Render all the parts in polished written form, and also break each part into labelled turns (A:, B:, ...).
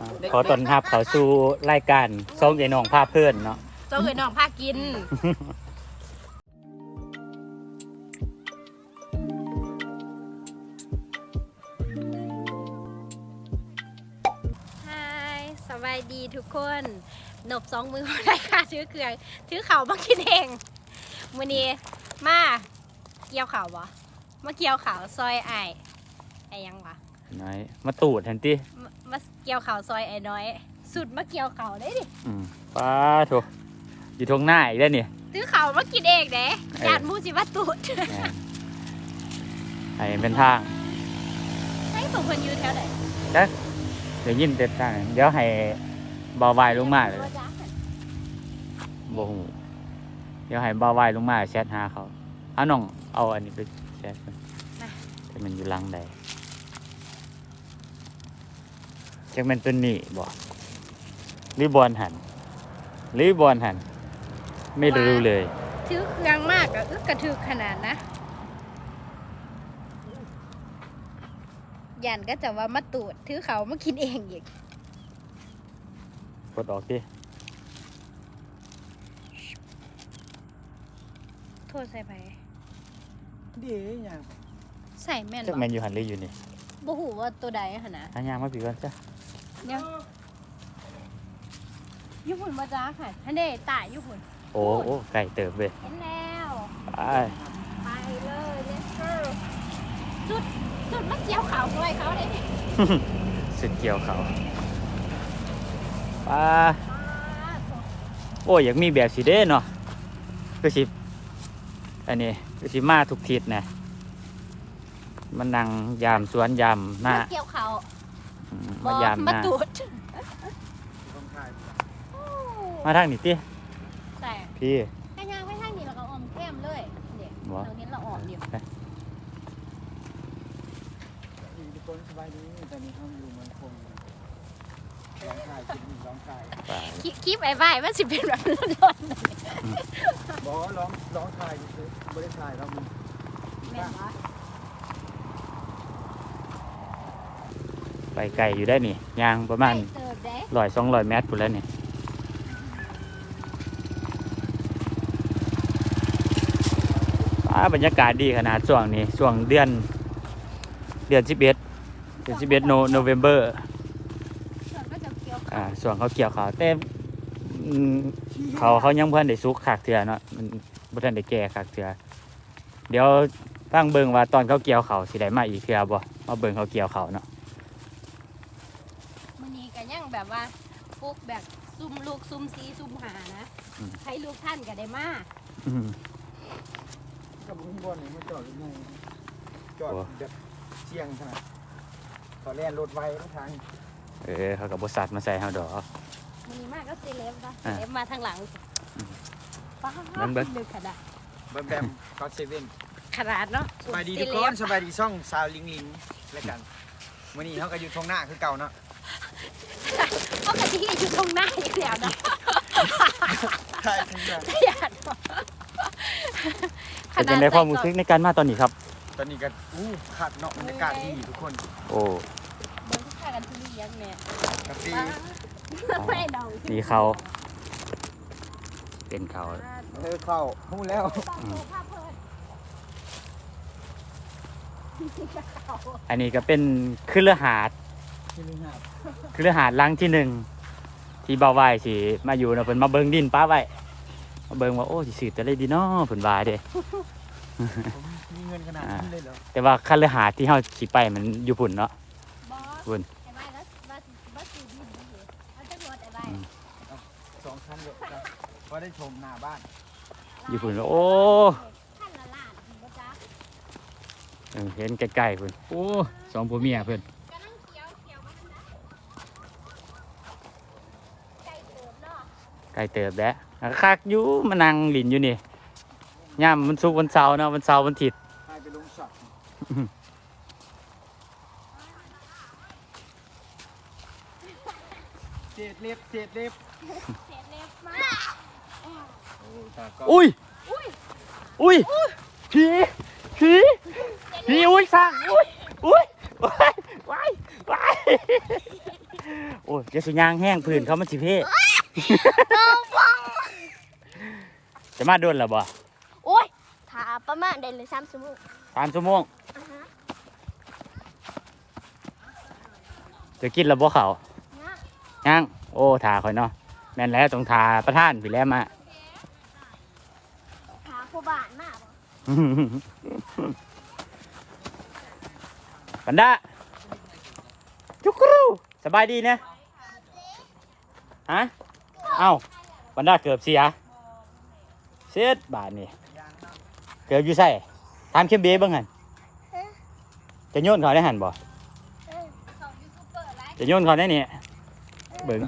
A: ขอต้อนรับเข้าสู่รายการส่งไอ้น้องพาเพื่อนเนาะ
B: เจ้าเคยน้องพากินฮายสบายดีทุกคนหนบ2 มือได้ค่ะถือเครื่องถือเข่ามากินเองมื้อนี้มาเกี่ยวเข่าบ่มาเกี่ยวเข่าซอยไอ้ยังวะ
A: น้อยมาตูดทันที
B: มาเกี่ยวเข่าซอยไอ้น้อยสุดมาเกี่ยวเข่าได้ดิ
A: ป้าโถอยู่ทงหน้าอีกแล้วนี่
B: ถือเข่ามากินเองเด้ญาติมูสิว่าตูด
A: ไอ้เป็นทาง
B: ให้ส่งคนอยู่แถวไหน
A: เดี๋ยวยิ้มเต็มทางเดี๋ยวให้เบาไวลงมาเลยบ่ฮู้เดี๋ยวให้เบาไวลงมาแชทหาเขาเอาน้องเอาอันนี้ไปแชทแต่มันอยู่หลังใดจักมันตัวนี้บ่รีบอลหันไม่รู้เลย
B: ถือเครื่องมากอะกระถือขนาดนะยันก็จะว่ามาตูดถือเขามากินเองอีก
A: กดออกดิ
B: โทษใส่ไป
C: ดีอย่าง
B: ใส่แม่น
A: จักแมนอยู่หันเลยอยู่นี่
B: บ่ฮู้ว่าตัวใดหั่นนะ
A: อันยางมาปีก่อนจ้ะ
B: เดี๋ยวญี่ปุ่นบ่จ้าค่ะอันนี้ตายญี่ปุ่น
A: โอ้ไก่เติบเว้ย
B: เห็นแล้วไปเลย let's go สุดมาเกี่ยวเขาด้วยเขาได้นี่
A: สุดเกี่ยวเขาโอ้อยากมีแบบสิเด้เนาะก็สิอันนี้ก็สิมาทุกทิศนะมันนั่งยามสวนยามหน้า
B: เกี่ยวเขา
A: มายามหน้า
B: ตูด
A: มาทางนี้ติพี่
B: ก็ย่างไปทางนี้แล้วก็ออมแก้มเลยเดี๋ยวเราเห็นเราออมเดี๋ยว
C: ทุกคนสบายดีตอนนี้เขาอยู่เมืองคงร้องไห้ร้องไห้
B: คลิปไอ้ใบมันสิเป็นแบบร้อน
C: ๆบอกร้องไห้คือบริษัทเรามี
A: ไปไกลอยู่ได้นี่ยางประมาณ100-200 เมตรพุ่นแล้วนี่บรรยากาศดีขนาดช่วงนี้ช่วงเดือน11โนเวมเบอร์ช่วงเขาเกี่ยวเขาแต่เขายังเพิ่นได้สุกขากเถื่อเนาะมันบ่ทันได้แก่ขากเถื่อเดี๋ยวฟังเบิ่งว่าตอนเขาเกี่ยวเขาสิได้มาอีกเถื่อบ่มาเบิ่งเขาเกี่ยวเขาเนาะ
B: มื้อนี้ก็ยังแบบว่าปลูกแบบซุ่มลูกซุ่มซีซุ่มหานะให้ลูกท่านก็ได้มา
C: กับบุ้งบอลนี่มาจอดยังไงจอดแบบเชียงขนาดตอนแรกรถไวทุกทาง
A: เขากับบริษัทมาใส่เฮาดอก
B: มันมีมากก็เซเลบนะเซเลบมาทางหลังป้าดึกขนาด
C: แบมก็เซเว่น
B: ขนาดเนาะ
C: สบายดีทุกคนสบายดีซ่องซาวลิงแล้วกันวันนี้เขาก็อยู่ทงหน้าคือเก่าเนาะ
B: เขาก็ที่อยู่ทงหน้าอย่างเดียวเนาะ
C: ใช่
A: เป็นในความรู้สึกในการมาตอนนี้ครับ
C: ตอนนี้ก็ขัดเนาะบรรยากาศดีทุกคน
A: โอ้
B: เบิ้งข้ากันที่นี่ยังเนี่ย
C: กาแฟ
B: ไม่ดอง
A: สีเขาเป็นเขา
C: เข้าพูดแล้ว
A: อันนี้ก็เป็นคฤหาสน์หลังที่1ที่เบาไว้สิมาอยู่นะเพิ่นมาเบิ่งดินป้าไว้มาเบิ่งว่าโอ้สิซื้อแต่ได้ดีเนาะเพิ่นว่าเด้
C: มีเงินขนาดนั้นเลยเหรอ
A: แต่ว่าคฤหาสน์ที่เฮาสิไปมันอยู่พุ่นเนาะพุ่น
C: 2 ชั้นเดียวก็ได้ชมหน้าบ้าน
A: อยู่พุ่นโอ้เห็นใกล้ๆพุ่นโอ้2ผัวเมียเพิ่นไก่เติบแด้คักอยู่มานั่งหลินอยู่นี่ย่ามมันสุกวันเสาร์เนาะวันเสาร์วันอาทิตย์
C: ไปลงสัตว์เศษเล็บ
A: อุ้ยผีอุ้ยสั่งอุ้ยว้ายโอ้ยจะสุยางแห้งพื้นเขามันสิเพ่ จะมาโดนหรอบ่
D: โอ้ยถาประมาณได้เลย3 ชั่วโมง
A: 3 ชั่วโมงจะกินหรอบ่เขาย่างโอ้ถ่าข่อยเนาะแม่นแล้วต้องถ่าประท่านพี่แล้วมา
D: ถาผู้บ้านมาก
A: ปันดาจุกกรูสบายดีนะฮะเอ้าปันดาเกือบเสียเสียบาทนี่เกือบอยู่ใส่ทำเข้มเบ้บ้างหันจะโยนเขาได้หันบ่จะโยนเขาได้เนี่ยเบิ่ง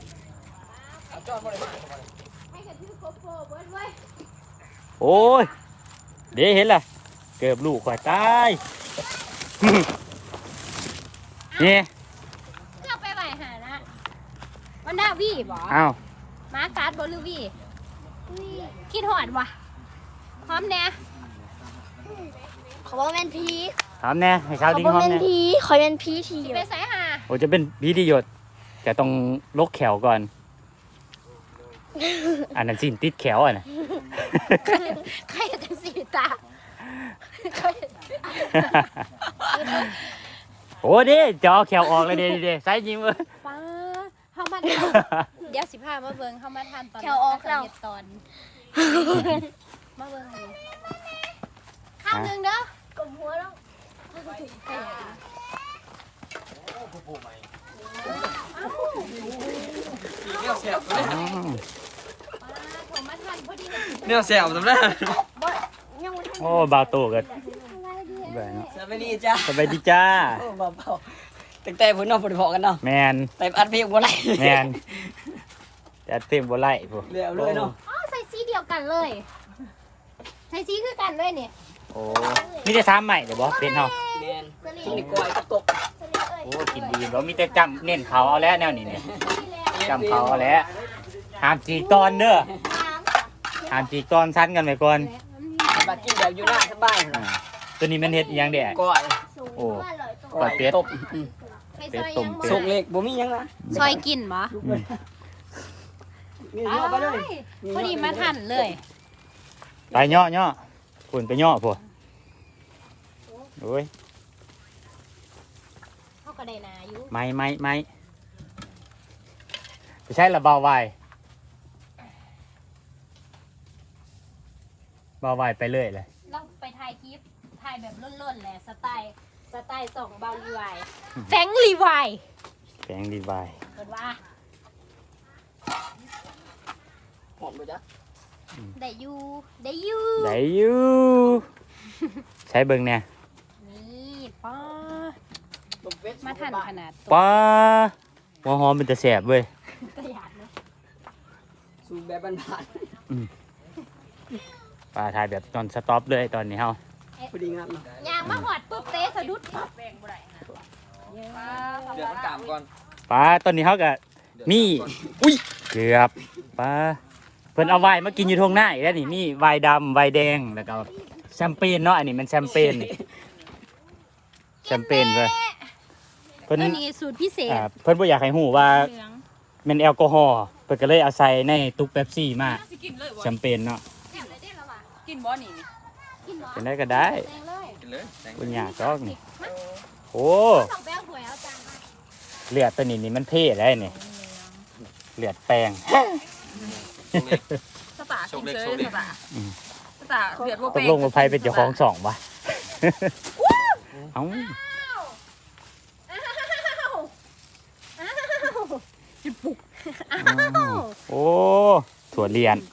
A: โอ้ยเดี๋ยวเห็นล่ะเกือบลูกข่อยตาย นี่
B: เลือกไปไหวหานะวันด้าวี่บ่
A: อ้าว
B: มาการ์ดบอลลูวี่คิดหอดวะพร้อมแน่
D: ขอว่าแม่นพี
A: ถามแน่ให้ชาวดิ้ง
D: ขอ
A: หอม
D: ว่าแม่น
A: แน่
D: พีขอแม่นพีที
B: สิไปใส่หา
A: โอ้จะเป็นพีที่หยดแต่ต้องลกแขวก่อน อันนั้นสินติดแขวอ่ะนะ
B: ใครจะสีตา
A: โอ้ดิจอแขวออกเลยเด้ใส่ยิ้มเว้ย
B: ป้าเฮามาเดี๋ยว15มาเบิ่งเฮามาทานตอน
D: แถวออกแล้ว
B: ตอนมาเบิ่งเลยข้าวหนึงเด้อก
D: ลมหัวแล้ว
B: ผมมาทานพอดีเลย
E: เนี่ยแซวจำได้
D: ยังไม่ทัน
A: โอ้บาวโตกันแบบเนาะ
E: สวัสดีจ้า
A: สบายดีจ้า
E: โอ้เบาๆตั้งแต่พุ่นน้องพุ่นพอกันเนาะ
A: แมน
E: แต่อัดเพลงบ่ไร
A: แมนจะเต็มบ่ไล่พวก
E: เร็วเลยเนาะ
B: อ๋อใส่สีเดียวกันเลยใส่สีคือกันเลยเนี่ย
A: โอ้มีแต่ซ้ำใหม่เดี๋ยวบอกเป็นเนาะ
E: แมนกินดีกว่ากับตก
A: โอ้กินดีบ่มีแต่จำเน้นเขาเอาแล้วแนวนี้เนี่ยจำเขาเอาแล้วห้ามจีกตอนเด้อห้ามจีกตอนชั้นกันไปก่อน
E: บัดกินแบบอยู่หน้าสบาย
A: อ่าตัวนี้มันเฮ็ดอิหยังแดก
E: ก้อย
A: โอ้
E: ก้อย
A: เป็ด
E: ตบ
B: ใส่ซอยยัง
A: เป็ด
E: สุกเล็กบ่มีหยังนะ
B: ซอยกินบ่
E: นี่ย่อไปเลย
B: พอดีมาทันเลย
A: ไปย่อย่อฝุ่นไปย่อพวกโอ้ย
B: เขาก็ได้นาอยู่
A: ไม่ไปใช้ระเบาไวเบาไวไปเรื่อยเลย
B: เราไปถ่ายคลิปถ่ายแบบล่นๆแหละสไตล์ส่งเบาลีไวแฟงลีไว
A: แสงดีไว
B: เกิดว่า
E: หอมบ่จ๊ะ
B: ได้อยู่ได้อยู่
A: ไหนอยู่ใช้เบิ่งเนี่ย
B: นี่ป้า
E: ตบเป็ด
B: มาทันขนาดตัว
A: ป้าหัวหอมมันจะแสบเว้ย
B: กระยาดเลย
E: สูแบบบ้าน
A: ป้าถ่ายแบบตอนสต็อปเลยตอนนี้เฮา
E: ๆพอดีงามเนาะ
B: ยางมาหอดปุ๊บเตะสะดุดปั๊บ
E: เดี๋ยวมันกามก่อน
A: ป้าตอนนี้เฮาก็มีอุ้ยเกือบป้าเพิ่นเอาไวน์มากินอยู่ทงหน้าอีกแล้วนี่มีไวน์ดำไวน์แดงแล้วก็แชมเปญเนาะอันนี้มันแชมเปญนี่แชมเปญเว้ยเพิ่น
B: ตัวนี้สูตรพิเศษ
A: เพิ่นบ่อยากให้ฮู้ว่า
B: เหลือง
A: แม่นแอลกอฮอล์เพิ่นก็เลยเอาใส่ในตุกเป๊ปซี่มา
F: สิกินเลยบ่
A: แชมเปญเนาะ
F: กินบ่นี่นี่
B: กินหรอ
A: เป็นได้ก็ได้
B: แดงเลย
E: กินเลย
A: บ่ยากดอกนี่โอ้
B: สองแป้งหวยเอาจานมา
A: เลือดตัวนี้นี่มันเท่ได้นี่เลือดแป้ง
F: สตากินเลยสตา
A: อืม
F: สตาเดือดบ่
A: ต
F: เป็
A: ก
F: น
A: ลงว่าไผเป็นเจ้าของสองวะเอ้า โอ้ถั่วเลียน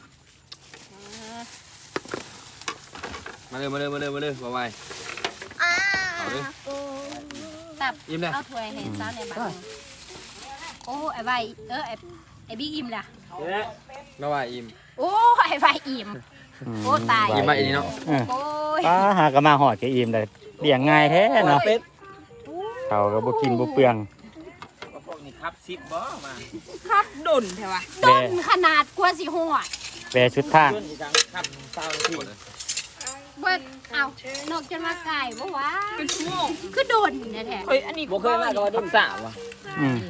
E: มาเลยบ่ไหว เอาดิ
B: ตับ
E: ยิ้มเลย
B: เอาถ้วยให้สาวในบ้านโอ้ไอ้ใบไอ้บิ๊กอิ่มล่ะ
E: บ่ไหวอิ่ม
B: โอ้ไอ้ใบอิ่ม โอ้ตาย
E: ยิ้มมาอีนี่เนาะ
A: เออ
B: โอ้ย
A: ป้าหากะมาหอดแกอิ่มเลยเลี้ยงง่ายแท้เนาะ
E: เป็ด
A: เขาก็บ่กินบ่เปลือง
E: พวกนี้ครับซิปบ่มา
F: คักดุนแท้วะ
A: แบ
B: ต้นขนาดกว่าสิหอด
A: แบชุดทาง
E: เพื่อนอีกครั้งครับเศร้าที่
B: เบิดเอานกจนมาไก่บ่วะ
F: เป็นชั่วโมง
B: คือโดนแท้
F: เฮ้ยอันนี้
E: บ่เคยมากับว่าดุนสาวว่ะ
A: อืม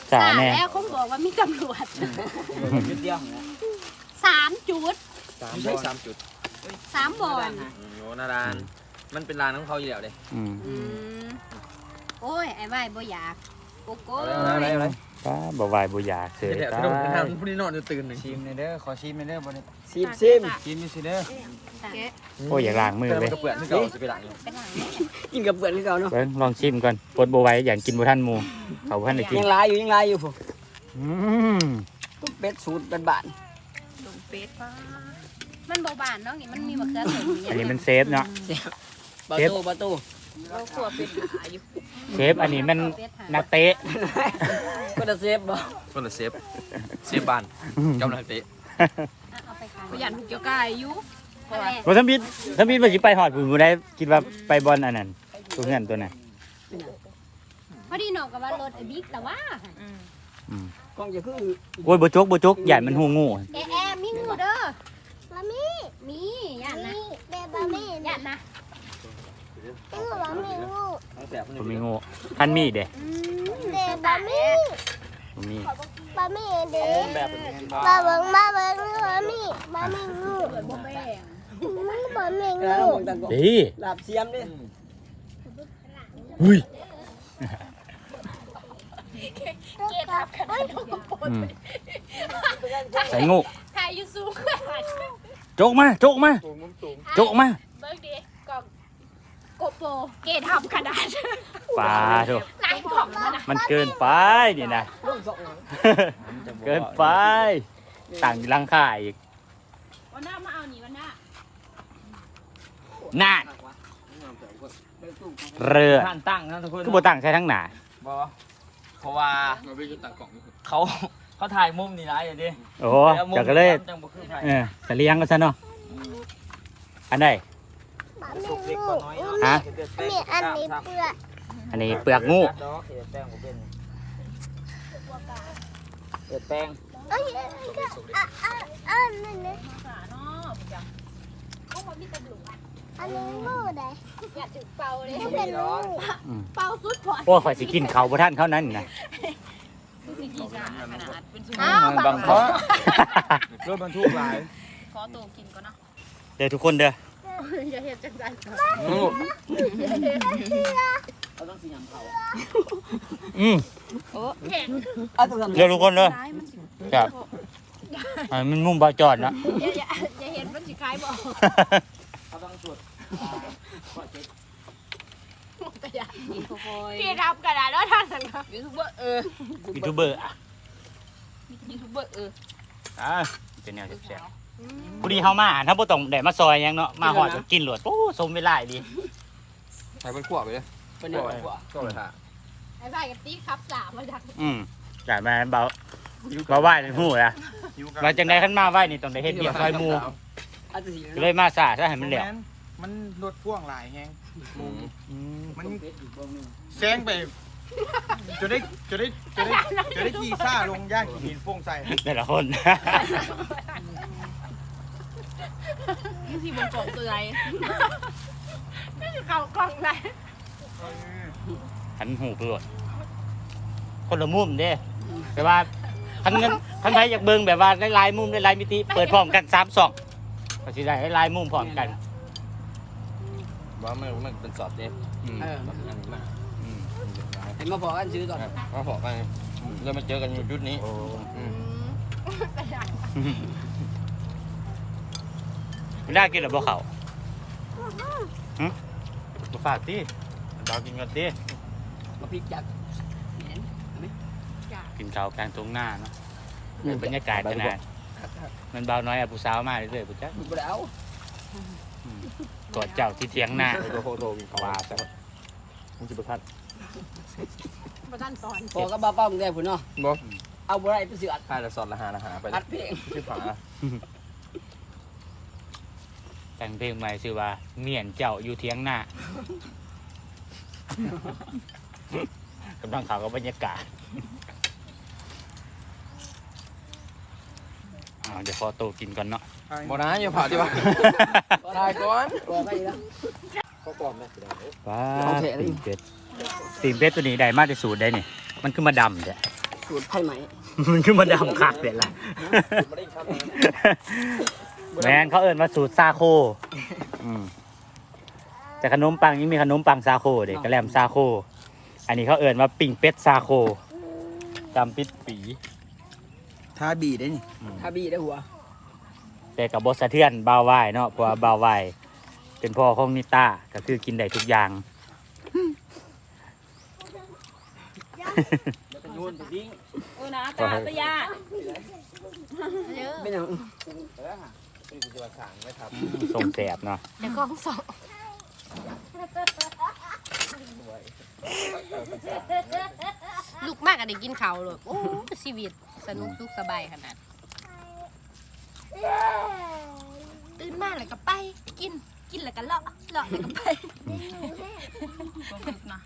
A: สาแน่
B: แล้วคงบอกว่ามีตำรวจ
C: จุดเดียวนะ
B: 3 จุด
E: ไม่ใช่3 จุด
B: 3บ่อน
E: โยนาดานมันเป็นร้านของเขาอยู่แล้วเด้
A: อืม
B: อืมโอ้ยไอ้ว่ายบ่อยากโกโก้
E: อะไร
A: ป้าบ่วายบ่อยากเสย
E: เดี๋ยว
A: ตา
E: พี่น้องทาง
A: ย
E: ผู้นี้นอนจะตื่นหนึ่ง
C: ชิมในเด้อขอชิมในเด้อบ่ได้
D: ซิม
C: ชิมนี่สิเด้อ
A: โอ้ยอยากล้างมือ
E: แต่
A: เล
E: มัน
A: ย
E: ก็เปื่อนที่เก่าจะไปหลัง
B: เป็นหลัง
D: กินกับเพื่อนคือเก่าเนาะ
A: เบิ่งลองชิมก่อนปวดบ่ไหวอย่างกินบ่ทันหมู่เขาบ่ทันได้กิน
D: ยังลายอยู่ผม
A: อืม
D: ตุ๊กเป็ดสูตรเป็นบ้าน
B: ลงเป็ดป้ามันบ่บานเนาะนี่มันมีมะเขือเทศ
A: อันนี้มันเซฟเนาะ
D: ประตู
F: เราขวบเป็นหาอยู่
A: เชฟอันนี้มันนักเตะ
D: ก็จะเซฟบ่
E: คนละเซฟบ้านกำลังเตะ
B: เอาไปขาย
F: ประหยัดถูกเกี่ยวกายอยู่เพราะว่า
A: บ่ทำบิดว่าสิไปฮอดพุ่นบ่ได้คิดว่าไปบอลอันนั้นตัวเงินตัวนั้น
B: พอดีน้องก็ว่ารถไอ้บิ๊กแต่ว่า
A: อืม
D: กล้องจะคือ
A: โอ้ยบ่จกใหญ่มันหูงู
B: แอมีงูเด้อ
D: บะหมี่
B: มีย่านนะ
D: แบบบะหมี่
B: ย่านนะ
D: คือบะหมี่งู
A: บ่มีงูคันมีเด้
D: แบบบะหมี่
A: บ่มี
D: บะหมี่เด้
E: แบบเป็น
D: มาเบิ่งบะหมี่งูบะหมี่งู
A: ดี
D: ลาบเสียมดิ
A: อุ้ย
B: เกทับขนาดนกกระปน
A: อืมใส่งู
B: ถ่ายอยู่สูงขนาด
A: จกมาจกมา
C: สูงมุมสูง
A: จกมา
B: เบิกดิกล่องโกโปรเกทับขนาด
A: ปลาโถ
B: หลายกล่องขนาด
A: มันเกินไปนี่นะ เกินไปต่างอยู่หลังค่าอีก
F: วันหน้ามาเอานี่วันหน้า
A: น่านเรือ
E: ท่านตั้งนะทุกคน
A: คือบ่ตั้งใช้ทั้งหนา
E: บอเพราะว่าเขาถ่ายมุมนี่นะอย่างนี้
A: โอ้โหเดี๋ยวก็เลย
E: จังบ่คือถ่าย
A: เสลียงกันซะเนาะอันใด
D: บะหมี่งู
A: ฮะ
D: มีอันนี้เปลือก
A: อันนี้เปลือกงู
C: แป้ง
D: เอ้ยอันนี้นะ
F: ขาเนาะประจ
D: อันนี้งูได้
B: อยากถึงเป่าเลย
D: ไม่เป็นงู
B: เป่าสุดพอ
A: โอ้ข่อยสิกินเขาบ่ทันเขานั้นนี่นะ
F: ำคือสิกีจ้าขนาดเป็นชั่วโม
B: อ้าง ว
E: บางเพราะ
C: รถบรรทุกหลาย
F: ขอตัวกินก่อนเนาะ
A: เดี๋ยวทุกคนเด้อ
B: อย่าเห็นจังจัง
D: เราต้องสีน้ำเขา
A: อืม
B: แข็ง
A: เดี๋ยวทุกคนเด้อ
F: ร้ายมันสิ
A: ครับอันมันมุมบ่จอดนะ
B: อย่าเห็นมันสิคล้ายบอก
C: เขาต้องตรวจ
F: กินค่อย
B: เกทับขนาดแล้วท่านสังเกต
F: ยูทูบเบอร์
A: ยูทูบเบอร์อ่ะ
F: ยูทูบเบอร์
A: เป็นแนวแซ่บๆพอดีเฮามาถ้าบ่ต้องได้มาซอยหยังเนาะมาฮอดก็กินโลดโอ้สมเวลาดี
E: ใส่เป็นขวบไปเลย
D: เป็น
E: ขวบก็เลยค่ะ
B: ไอ้บ้ากับตีครับสามมาจาก
A: อยากมาเบาไหว้ในหูล่ะมาจังได๋คันมาไหว้นี่ต้องได้เฮ็ดเบียร์ซอยหมู่
D: อันสี
A: ก็เลยมาซาซะให้มันแล้ว
C: มันรถพ่วงหลายแฮงมันแซงไปจะได้ขี่ซ่าลงย่างหินโป่งใส่
A: แต่ละคน
F: นี่สิบนกล่องเตือย
B: เขากล่องไหน
A: หันหูไปโลดคนละมุมเด้แต่ว่าคันใครอยากเบิ่งแบบว่าหลายๆมุมหลายๆมิติเปิดพร้อมกัน3 2ก็สิได้หลายมุมพร้อมกัน
E: ว่ามันเป็นสอดเนี่ย
A: อืม
E: แบบอันนี้มาก
D: เห็นมาบอกกันซื้อก่อน
E: มาพอกันเรามาเจอกันอยู่จุดนี้
A: โอ้ ไม่ได้กินหรือบ่เขาบ่ฝากติดาวกินกันติ
D: มาพริกจัก
A: กินข้าวกลางตรงหน้าเนาะบรรยากาศขนาดมันเบาน้อยผู้สาวมาเรื่อยๆปุ๊จ้ะ
D: บ่ได้เอา
A: กอดเจ้าที่เถียงหน้า
E: โคโตมีเขาว่าแต่มันจะประทัด
B: ประทันตอน
D: พอก็บ้าเป้ามึงได้พุ่นเนาะ
E: บ่
D: เอาบ่ได้ไปซื้ออัด
E: พาละสอดละหาไป
D: อัดเพลง
E: ชื่อฝา
A: แต่งเพลงใหม่ชื่อว่าเมียนเจ้าอยู่เถียงหน้า กำลังข่าวกับบรรยากาศเดี๋ยวขอโตวกินก่อนเนาะ
E: บ่นะอย่าผ่าดิวะตายก่อน
D: บอกไปแล้ว
C: เขาปลอมนะ
A: ว้า
D: โอเค
A: ตีนเป็ดตัวนี้ได้มาที่สูตรได้นี่มันคือมาดำเด้
G: สูตรไผ่ไหม
A: มันคือมาดำคักเด็ดล่ะ
E: ไม่ได้ครับ
A: แมนเขาเอิ้นว่าสูตรซาโคแต่ขนมปังยังมีขนมปังซาโคเด็กกระแลมซาโค อันนี้เขาเอิ้นว่าปิ่งเป็ดซาโคจำปิดปี
C: ทาบีได้นี่
G: ถ้าบีได้หัว
A: แต่กับบสะเทือนบาววายเนาะเพราะว่าบาววายเป็นพ่อของนิต้าก็คือกินได้ทุกอย่าง
G: เป็นนู่นไปดิ้ง
F: โอ้นะตาตะยา
G: เป็นอย่าง
E: นี่คือจะสั่งไหมครับ
A: ส่งแสบเนาะ
B: แล้วก็สองลูกมากอะได้กินข้าวเลยโอ้ชีวิตสนุกสุขสบายขนาดตื่นมาแล้วก็ไปกินแล้วก็เลาะแล้วก็ไป
F: บ่ฝึกนะ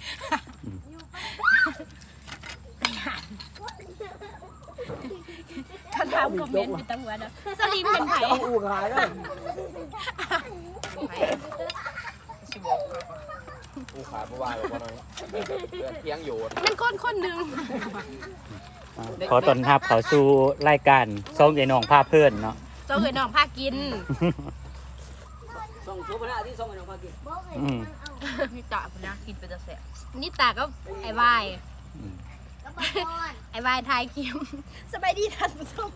B: เขาถามคอมเมนต์ไปตั้งวันนะสลิมเป็นไผ่
G: ต้องอู่ขายด้วย
F: สิบอก
E: กูขาดเมื่อวานบอกว่าน้อยเที่ยงอยู่
B: นั่นคนหนึ่ง
A: ขอต้อนรับเขาสู่รายการส่งไอ้น้องพาเพื่อนเนาะ
B: เจ้าเคยน้องพากิน
G: ส่งซูปหน้าที่ส่งไปน้องพากิน
A: อืม
F: นี่ตาพุ่นนะกินไปจะแซ่บ
B: นี่ตาก็ไอ้วายไอ้วายทายคิมสบายดีท่านผู้ชม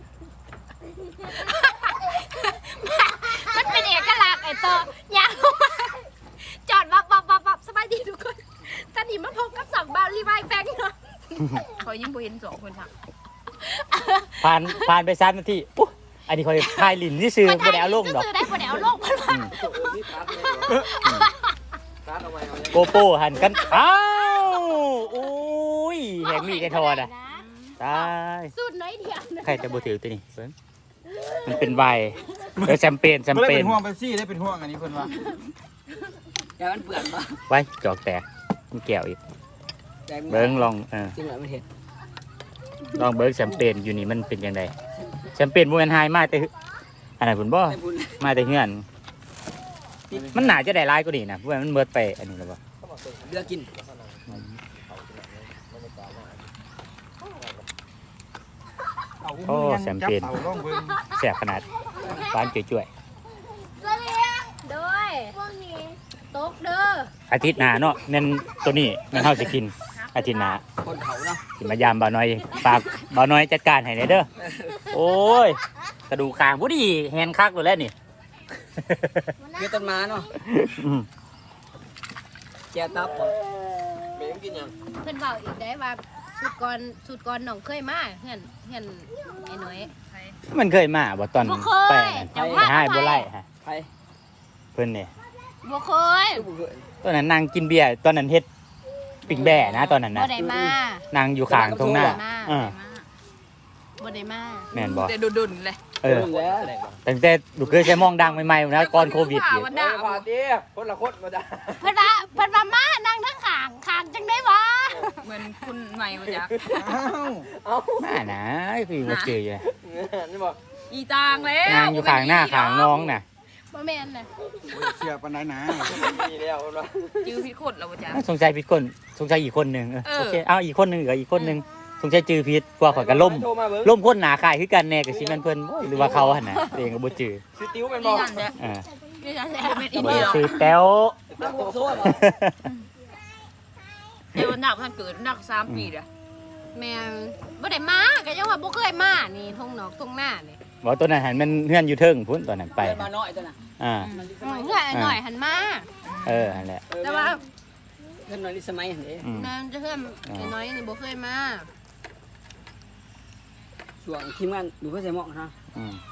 B: มันเป็นเอกลักษณ์ไอ้ตัวยางจอดวับสบายดีทุกคนตอนนี้มาพบกับสองบาวรีวายแฟงเนาะ
F: คอยยิ่งบ่เห็น2คนค่ะ
A: ผ่านไป3 นาทีอุ๊ยอันนี้คอยพายลินที่ซื้อไม่ได้เอาลงดอก
B: ซื้อได้บ่ได้เอาลงมันว่า
E: นี่คัดเลยคัดเอาไว้เอาไว้
A: โกโป้หันกันอ้าวอุ้ยแหงมีไก่ทอดอ่ะตาย
B: สูตรน้อยเดียวนะ
A: ใครจะบูถือตัวนี้เพิ่นมันเป็นไวน์แชมเปญ
C: ไม่ได้เป็นห่วงเป๊ปซี่ได้เป็นห่วงอันนี้เพิ่นว่า
G: แต่มันเปลือกปะ
A: ไว้จอกแตกมันแก้วอีก
G: แต่
A: เบิ้งลอง
G: จริงเหรอมันเห็ด
A: ลองเบิ้งแชมเปญอยู่นี่มันเป็นยังไงแชมเปญบ่แม่นไฮมาแต่อันไหนพุ่นบ่
G: ไม่บุญ
A: มาแต่เฮือน มันน่าจะได้หลายกว่านี้นะเพราะว่ามันเบิดไปอันนี้แล้วบ่
G: เลือกกิน
A: โอ้แชมเปญ
C: จับเต่าล่องเบิ่ง
A: แซ่บขนาดหวานจ่วย
B: โดยตกเด้อ
A: ๆอาทิตย์หน้าเนาะแม่นตัวนี้แม่นเฮาสิกินอาทิตย์หน้า
G: คนเขาเนาะ
A: สิมายามบ่าวน้อยฝากบ่าวน้อยจัดการให้หน่อยเด้อโอ้ยกระดูกคางผู้ดีแฮนคักเลยแล้วนี่
G: เกลือต้นมาเนาะ
A: อืม
G: แก้ตับก่อน
E: เมย์กินยัง
B: เพิ่นเว้าอีกได้ว่าสูตรก่อนน้องเคยมาเฮือนไอ้น้อย
A: มันเคยมาบ่ตอน
B: บ่เคย
A: ไป
B: จังห
A: ไป
B: วะ
A: ให้บ่ไล่ฮะ
G: ไผ่
A: เพิ่นนี่
B: บ่เคย
G: ลูกบุกเกิด
A: ตอนนั้นนางกินเบียร์ตอนนั้นเฮ็ดปิ่งแบ่นะตอนนั้น
B: บ่
A: นะ
B: ได้มาน
A: างอยู่ข้างตรงหน้า
B: บ่ได้มา
A: เออ
B: บ่ได้มา
A: แม่นบ่
F: แต่ดุนๆเลย
A: เออ
G: แล้ว
A: ตั้งแต่ลูกเคยใช้มองดังใหม่ๆนะก่อนโควิดอีก
F: วันดา
E: พาดิคนละคนมาจ้ะ
B: เพิ่นว่ามานั่งทั้งข้างจังได้วะ
F: เหมือนคุณใหม่มาจาก
C: อ้าว
A: มานะคือบ่เจออยู่
E: นี่บอก
F: อีตางแล้ว
A: นางอยู่ข้างหน้าข้างน้องน่ะ
B: บ่แม่นน่ะ
C: โอ้ยเสียปานใดนะ
E: มีแล้วคนว่า
F: จื้อพิษคนแล้วบ่จ้ะ
A: สงสัยผิดคนสงสัยอีกคนหนึง
F: เออ
A: โอเคเอาอีกคนหนึงเหรออีกคนหนึงสงสัยจือผิดกว่าข่อยก็ล่ม
E: โทรมาเบิ้ง
A: ล่มคนหนาคายคือกันแน่กับสิแม่นเพิ่นโอ้ยหรือว่าเขาหั่นน่ะตัวเองก็บ่จือ
E: ชื่อติ้วเป็นบ
F: นี่
E: อก
F: นั่นแหละ
A: อ่า
B: นี่นั่นแหละ
F: เป็นอี
A: บ่
F: เดี
A: ได้
F: ยว
A: ชื่อแต้ว
G: แล้วบุกโซ่เหรอ
F: เดี๋ยวหนักท่านเกิดหนัก3 ปีเด้อ
B: แม่นบ่ได้มาก็ยังว่าบ่เคยมานี่ทงนอกทงหน้านี่
A: บ่ตัวนั้นหันมันเฮือนอยู่เทิงพุ่นตอนนั้นไป
G: เกิดมาน้อยตัวน่ะ
A: อ่า
G: มันดิส
B: อื
G: มั
B: ม
G: ย
B: เพื่อนไอ้หน่อยหันมา
A: นั่นแหละ
B: แต่ว่า
G: เกิดน้อยดิสมัยเห็นเด้
A: อืม
B: นั่นจะเพื่อนไอ้น้อยนี่บ่เคยมา
G: ช่วงทีมงานดูเพื่อใส่หมอกนะ
A: อืม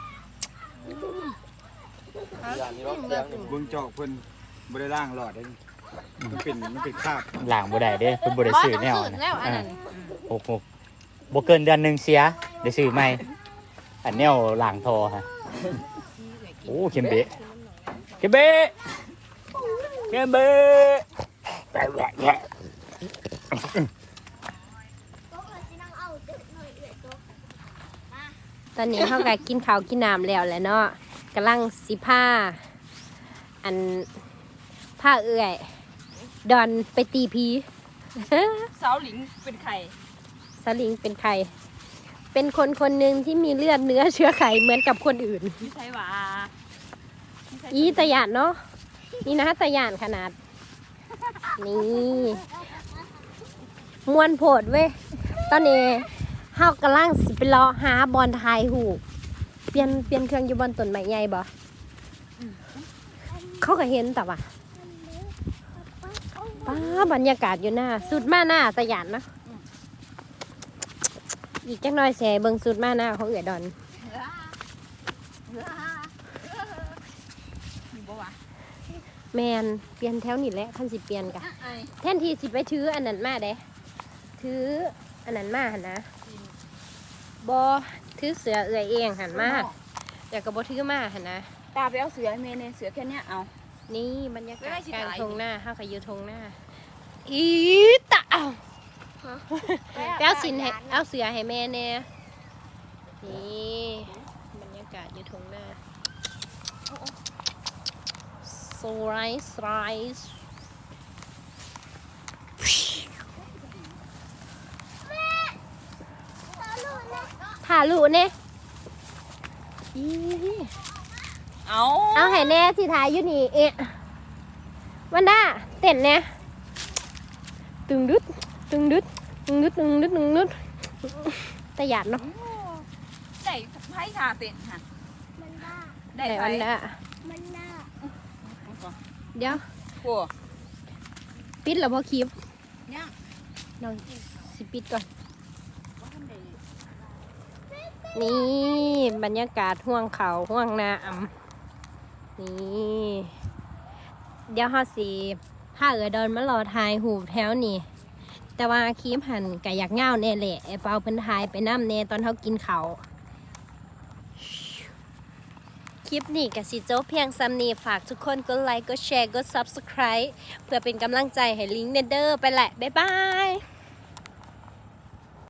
E: อย่างนี้รถเที่ยง
C: เบิ่งจอกเพิ่นบ่ได้ล่างหลอดได้นี่มันเป็นคราบ
A: ล้างบ่ได้เด้เพิ่นบ่ได้ซื้อแนว
B: บ่ต้องซื้อแล้วอันนั้น
A: โอ้โหบ่เกินเดือนหนึงเสียได้ซื้อใหม่อันแนวล้างทอฮะโอ้เข็มเบะเข็มเบะเข็มเบะแหะ
B: ตอนนี้เฮาก็กินข้าวกินน้ำแล้วแหละเนาะกำลังสิพาอันผ้าเอื้อยดอนไปตีผี
F: สาวหลิงเป็นไข่
B: สสลิงเป็นใคร เป็นคนคนหนึ่งที่มีเลือดเนื้อเชื้อไขเหมือนกับคนอื่น
F: ไม่ใช่หว่า
B: อีตะหยานเนาะนี่นะตะหยานขนาด นี่มวนโผดเว้ยตอนนี้เฮากำลังสิไปรอหาบอลทายหูเปลี่ยนเครื่องอยู่บอลต้นไม้ใหญ่บ่เขาก็เห็นแต่ว่าป้าบรรยากาศอยู่หน้าสุดมาหน้าตะหยานนะอีกจักหน่อยแสเบิ่งสุดมาหน้าของเอือดอน
F: บ่วะ
B: แมนเปลี่ยนแถวนี่แหละคันสิเปลี่ยนกะแทนที่สิไปถืออันนั้นมาเด้ถืออันนั้นมาหันนะบอถือเสือเอื่อยเองหันมาอยากกับบถือมาหันนะ
F: ตาไปเอาเสือให้แม่เนี่ยเสือแค่เนี้ยเอา
B: นี่บรรยากาศ
F: ไม่ได้สิ
B: กลาง
F: ถ่าย
B: ทงหน้าห้าขยือทงหน้าอีตะเอาไปเอาสินให้เอาเสือให้แม่เนี่ยนี่บรรยากาศอยู่ทงหน้าสไลด์สไลด์ถ่าลูกเนี่ยอี
F: เอา
B: เอาให้แน่สิถ่ายอยู่นี่เอ๊ะวันด้าเต้นเนี่ยตึงดึดตึงดึดตึงดึดตึงดึดตึงดึดแต่หยาดเนาะ
F: ได้ไพ่ทาเต็นค่ะ
D: มันบ้า
F: ได้
B: แต่
F: ไพ่
B: วันด้า
D: มันน่า
B: เดี๋ยว
F: โอ้
B: ปิดแล้วพอคลิป
F: ยัง
B: น้องสิปิดก่อนนี่บรรยากาศห่วงเขาห่วงนาอ่ำนี่เดี๋ยวเขาสิถ้าเออเดินมารอทายหูแถวนี่แต่ว่าคลิปหันกะอยากเง่าแน่แหละไอ้เปาเพิ่นทายไปน้ำเน่ตอนเขากินเขาวคลิปนี้กะสิโจบเพียงซ้ำนี้ฝากทุกคนกดไลค์กดแชร์กด Subscribe เพื่อเป็นกำลังใจให้ลิงก์เนเดอร์ไปแหละบ๊ายบาย